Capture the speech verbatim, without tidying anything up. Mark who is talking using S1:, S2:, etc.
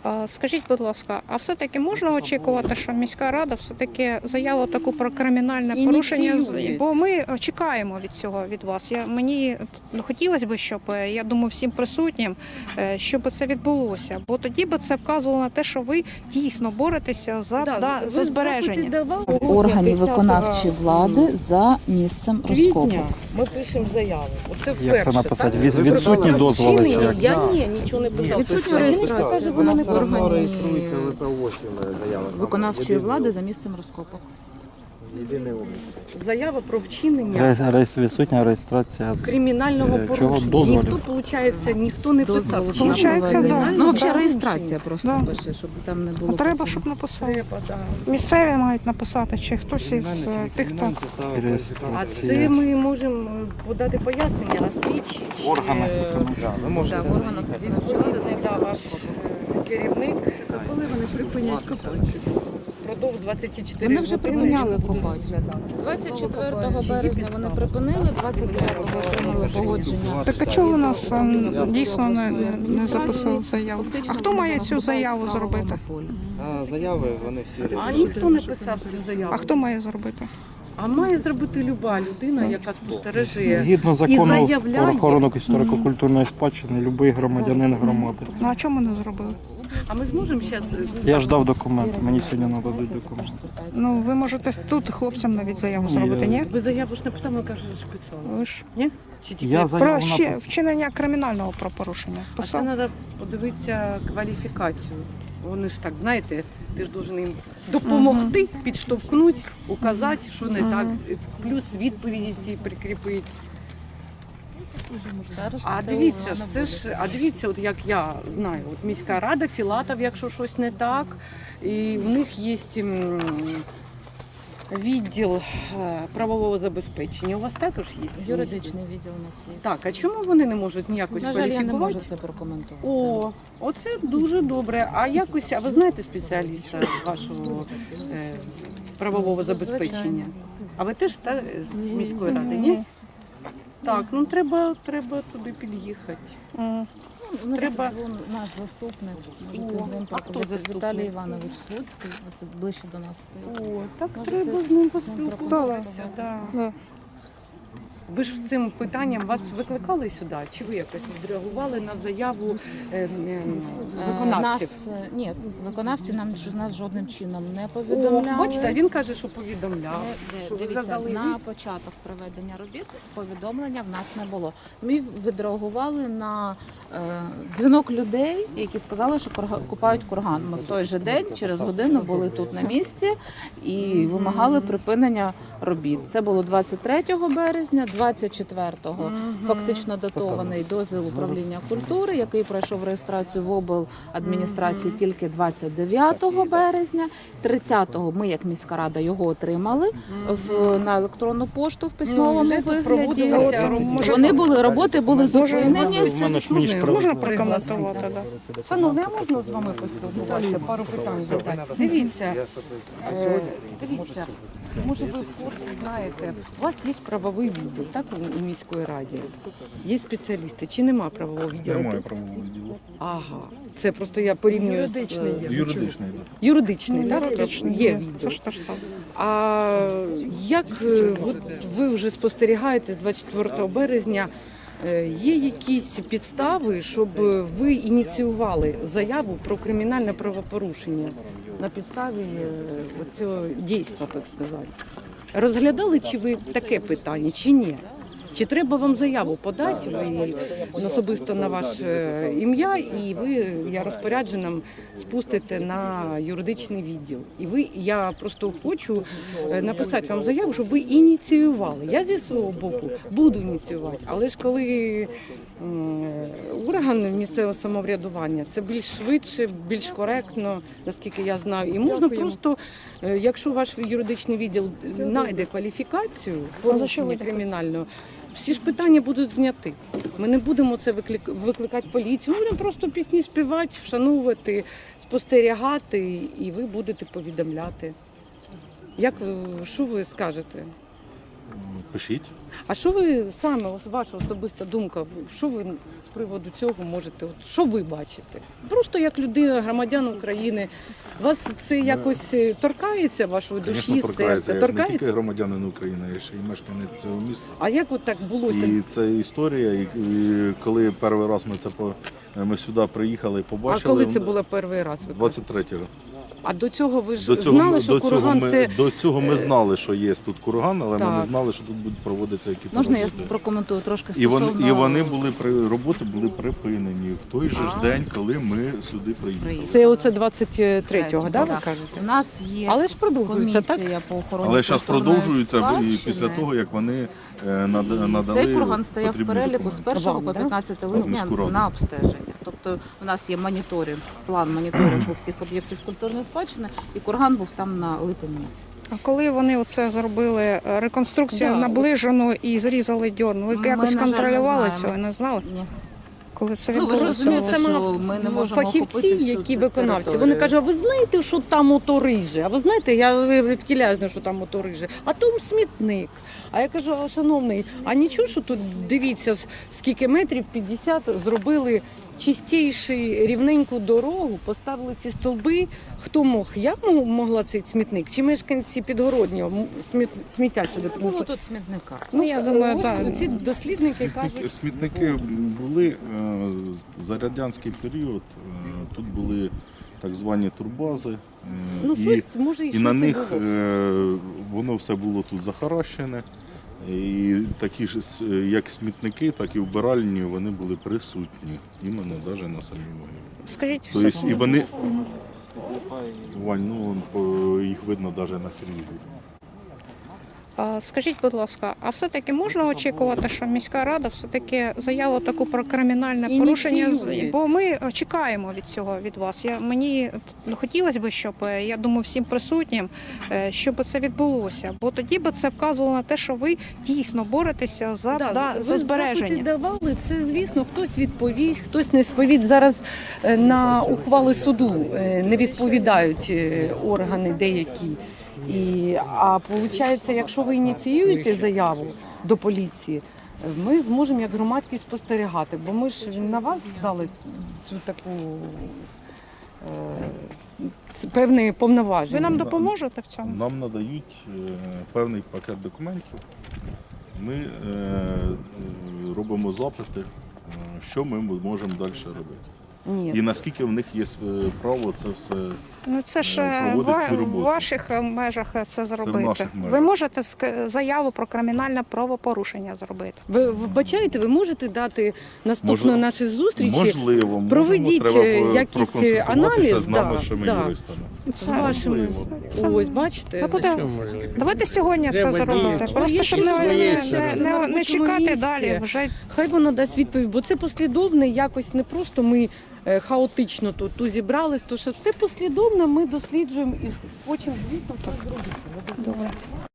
S1: А скажіть, будь ласка, а все-таки можна очікувати, що міська рада все-таки заяву таку про кримінальне порушення,
S2: Ініціює.
S1: бо ми чекаємо від цього від вас. Я мені ну, хотілося б, щоб я думаю, всім присутнім, е, щоб це відбулося, бо тоді би це вказувало на те, що ви дійсно боретеся за,
S2: Да,
S1: да,
S2: ви
S1: за збереження.
S2: запити давали?
S3: Органів
S2: десятого
S3: виконавчої влади за місцем розкопу.
S2: Квітня ми пишемо заяву. Оце вперше.
S4: Як це написати?
S2: так?
S4: Від-
S2: Ви
S4: відсутні
S2: придбали
S4: дозволи чи
S2: вчинення?
S4: як?
S2: Я ні, нічого не писав.
S3: Відсутня
S2: А жіночка
S3: реєстрація.
S2: каже, вона не
S3: Вона
S2: придбала.
S3: органі
S5: реєструється ВПО заява.
S3: виконавчої влади за місцем розкопу.
S5: Єдиний облік.
S2: Заява про вчинення
S4: Реєс- реєс- Відсутня реєстрація.
S2: кримінального
S4: Е, чого
S2: порушення.
S4: дозволів?
S2: Ніхто, виходить, ніхто не писав.
S3: Дозволу
S2: Вчинення
S1: Получається,
S2: кримінального
S1: да.
S3: Ну, взагалі
S2: порушення.
S3: реєстрація просто
S1: Да.
S3: пише, щоб там не було.
S1: Ну, треба,
S3: потім.
S1: щоб написали.
S2: Треба, да.
S1: Місцеві мають написати, чи хтось із е, тих, хто...
S2: А це ми можемо подати пояснення на слідчі. чи,
S4: Органи.
S2: е,
S5: Да, ви можете
S3: Так, органах виконавчої влади за
S2: Відповідний да,
S3: місцем
S2: ваш
S3: розкопу.
S2: е, керівник. Коли вони припинять копати? Продовж двадцять чотири
S3: Вони вже
S2: години
S3: припиняли
S2: будуть
S3: копати.
S2: розглядати.
S3: двадцять четвертого березня вони припинили, двадцять п'ятого отримали погодження.
S1: Так а чого у нас е, дійсно не, не записали заяву? А хто має цю заяву зробити?
S5: А заяви вони всі
S2: А ніхто не писав цю заяву.
S1: А хто має зробити?
S2: А має зробити люба людина, яка спостережує.
S4: Згідно
S2: І
S4: закону
S2: заявляє.
S4: про охорону історико-культурної спадщини, будь-який громадянин громади.
S1: Ну а чому не зробили?
S2: А ми зможемо зараз.
S4: Я ждав документи, мені сьогодні нададуть документи.
S1: Ну ви можете тут хлопцям навіть заяву зробити, ні?
S2: Ви заяву ж написали, ми кажемо, що писали.
S1: Ви ж
S2: Ні? Чи тільки?
S4: Я
S1: про
S4: заяву
S1: ще
S4: написав.
S1: вчинення кримінального правопорушення.
S2: А це
S1: Писав?
S2: треба подивитися кваліфікацію. Вони ж так, знаєте, ти ж должен їм допомогти, підштовхнути, указати, що не так, плюс відповіді ці прикріпити. А дивіться ж, це ж, а дивіться, от як я знаю, от міська рада, Філатов, якщо щось не так, і в них є м, відділ е, правового забезпечення. У вас також є?
S3: Юридичний відділ у нас є.
S2: Так, а чому вони не можуть ніякось
S3: На жаль, я не
S2: кваліфікувати?
S3: можу це прокоментувати.
S2: О, оце дуже добре. А якось, а ви знаєте спеціаліста вашого е, правового забезпечення? А ви теж та, з міської ради, ні? Так, ну треба, треба туди під'їхати.
S1: М.
S3: Ну, у нас
S2: Треба-
S3: був наш заступник, можете
S2: О,
S3: з ним
S2: а хто
S3: поговорити.
S2: заступник?
S3: Віталій Іванович Слуцький, оце ближче до нас стоїть.
S2: О, так
S3: Можете
S2: треба з ним
S3: ним
S2: поспілкуватися. Да.
S1: Да.
S2: Ви ж цим питанням вас викликали сюди? Чи ви якось відреагували на заяву е, е,
S3: Е,
S2: виконавців?
S3: Нас, е, ні, виконавці нам ж- нас жодним чином не
S2: О,
S3: повідомляли.
S2: бачите, він каже, що повідомляв.
S3: Е,
S2: Що ви
S3: Дивіться,
S2: задали
S3: на початок проведення робіт повідомлення в нас не було. Ми відреагували на е, дзвінок людей, які сказали, що курга- купають курган. Ми в той же день, через годину, були тут на місці і вимагали припинення робіт. Це було двадцять третього березня, двадцять четвертого фактично датований дозвіл управління культури, який пройшов реєстрацію в обладміністрації тільки двадцять дев'ятого березня. тридцятого ми, як міська рада, його отримали в, на електронну пошту в письмовому
S2: вже тут
S3: вигляді.
S2: проводилися
S1: роботи.
S3: Вони були, роботи були зупинені.
S4: В мене ж мені ж
S1: Можна
S2: Можна
S1: прокоментувати? Да.
S2: Шановні, а можна з вами поспілкуватися? Пару питань задати. Дивіться, е, дивіться, може ви в курсі знаєте, у вас є правовий відділ, так, у, у міської раді? Є спеціалісти, чи нема правового відділу?
S6: Немає правового відділу.
S2: Ага, це просто я порівнюю
S1: Юридичний
S2: з...
S1: є.
S6: Юридичний.
S2: Юридичний, так?
S1: Юридичний
S2: Є
S1: Це
S2: відділ.
S1: ж те ж саме.
S2: А як е, от ви вже спостерігаєте з двадцять четвертого березня, е, є якісь підстави, щоб ви ініціювали заяву про кримінальне правопорушення на підставі е, цього дійства, так сказати? Розглядали чи ви таке питання, чи ні? Чи треба вам заяву подати ви особисто на ваше ім'я, і ви, я розпорядженим, спустите на юридичний відділ. І ви, я просто хочу е, написати вам заяву, щоб ви ініціювали. Я зі свого боку буду ініціювати, але ж коли м, орган місцевого самоврядування, це більш швидше, більш коректно, наскільки я знаю. І можна просто, е, якщо ваш юридичний відділ знайде кваліфікацію порушення кримінального, всі ж питання будуть зняті. Ми не будемо це виклик... викликати поліцію, ми будемо просто пісні співати, вшановувати, спостерігати, і ви будете повідомляти. Як ви, що ви скажете?
S6: пишіть.
S2: А що ви саме, ось ваша особиста думка, що ви з приводу цього можете, от, що ви бачите? Просто як людина, громадян України, вас це якось е, торкається вашої
S6: Звісно,
S2: душі,
S6: торкається.
S2: серця?
S6: Я ж не тільки
S2: Торкається?
S6: громадянин України, я ще й мешканець цього міста.
S2: А як от так булося?
S6: І це історія. І, і коли перший раз ми це по ми сюди приїхали і
S2: А
S6: побачили.
S2: коли це було перший раз? ви кажете?
S6: двадцять третього.
S2: А до цього ви ж
S6: До цього,
S2: знали,
S6: ми,
S2: що
S6: до, цього
S2: курган
S6: ми,
S2: це...
S6: до цього ми знали, що є тут курган, але ми
S2: Так.
S6: не знали, що тут будуть проводитися якісь
S3: Можна я
S6: роботи.
S3: прокоментую трошки
S6: І вони,
S3: стосовно...
S6: і вони були при роботи були припинені в той же ж
S3: А.
S6: день, коли ми сюди приїхали.
S3: Приїхали.
S2: Це оце двадцять третього, да, ви
S3: Так.
S2: кажете?
S3: У нас є
S2: Але ж продовжується, так?
S3: комісія по охороні
S6: Але зараз
S3: культурної
S6: продовжується і
S3: спадщини.
S6: після того, як вони е, над- надали
S3: Цей курган стояв в
S6: потрібні
S3: переліку з
S6: документи.
S3: першого
S2: Вам,
S3: по
S2: да?
S3: п'ятнадцяте
S6: В
S3: липня
S6: міську раду.
S3: на обстеження. Тобто у нас є моніторинг, план моніторингу всіх об'єктів культурної спадщини, і курган був там на липень місяць.
S1: А коли вони оце зробили е, реконструкцію
S2: Да.
S1: наближену і зрізали дьорн, ви
S3: Ми,
S1: якось
S3: на жаль, не
S1: контролювали
S3: знаємо.
S1: цього, не знали?
S3: Ні.
S1: Коли це
S3: Ну, ви ж
S1: відбулося?
S3: розумієте,
S2: Це
S3: що
S2: мав
S3: ми не можемо охопити
S2: фахівці,
S3: всю
S2: які
S3: цю
S2: виконавці. Вони
S3: територію.
S2: кажуть, а ви знаєте, що там ото риже? А ви знаєте, я відкіляю, знаю, що там ото риже. А там смітник. А я кажу, а, шановний, а нічого, що тут дивіться, с- скільки метрів п'ятдесят зробили чистіший рівненьку дорогу, поставили ці стовби. Хто мог? Я м- могла цей смітник? Чи мешканці Підгороднього м- сміт, сміття сюди
S3: Не було
S2: принесли?
S3: тут смітника.
S1: Ну, я думаю,
S2: ось
S1: так.
S2: ці дослідники
S6: Смітники,
S2: кажуть.
S6: смітники були е, за радянський період. е, Тут були так звані турбази. е,
S2: Ну,
S6: і,
S2: щось, може, і,
S6: і
S2: щось
S6: на
S2: і
S6: них
S2: було.
S6: е, воно все було тут захаращене. І такі ж с- як смітники, так і вбиральні вони були присутні, іменно навіть на самій могилі.
S1: Скажіть,
S6: Тобто,
S1: все.
S6: і вони, Вань, ну по- їх видно навіть на срізі.
S1: А, Скажіть, будь ласка, а все-таки можна очікувати, що міська рада все-таки заяву таку про кримінальне порушення, з-
S2: Ініціює.
S1: бо ми чекаємо від цього від вас. Я мені ну, хотілося б, щоб е, я думаю, всім присутнім, е, щоб це відбулося, бо тоді би це вказувало на те, що ви дійсно боретеся за,
S2: Да,
S1: да,
S2: ви
S1: за збереження.
S2: запити давали, це звісно, хтось відповість, хтось не сповість. Зараз е, на ухвали суду е, не відповідають е, органи деякі. І, а виходить, якщо ви ініціюєте заяву до поліції, ми зможемо як громадськість спостерігати, бо ми ж на вас дали цю таку е, ц- певні повноваження.
S1: Ви нам допоможете в цьому?
S6: Нам надають е, певний пакет документів. Ми е, е, робимо запити, е, що ми можемо далі робити.
S2: Ні.
S6: І наскільки в них є е, право це все.
S1: Ну це ж
S6: е,
S1: е,
S6: проводить
S1: ва-
S6: ці
S1: в
S6: роботи.
S1: ваших е, межах е, це зробити.
S6: наших межах.
S1: Ви можете ск- заяву про кримінальне правопорушення зробити.
S2: Ви вбачаєте, ви можете дати наступної
S6: Мож-
S2: нашої зустрічі
S6: Можливо,
S2: Проведіть,
S6: можемо,
S2: е,
S6: треба
S2: якийсь
S6: проконсультуватися
S2: аналіз,
S6: з
S2: да,
S6: нашими
S2: да.
S6: юристами.
S2: з вашими.
S6: можливо.
S2: Ось, бачите,
S1: Ну, буде- Давайте сьогодні це
S7: Треба
S1: зробити.
S7: діяти.
S1: Просто
S2: Є
S1: щоб не,
S2: своє
S1: не,
S2: ще
S1: не,
S2: раз.
S1: не,
S2: На
S1: не
S2: робочому
S1: чекати
S2: місці.
S1: далі. Вже
S2: хай воно дасть відповідь, бо це послідовне, якось не просто ми е, хаотично тут, тут зібрались, то що все послідовно ми досліджуємо і хочемо, звісно, щось зробити.
S1: добре.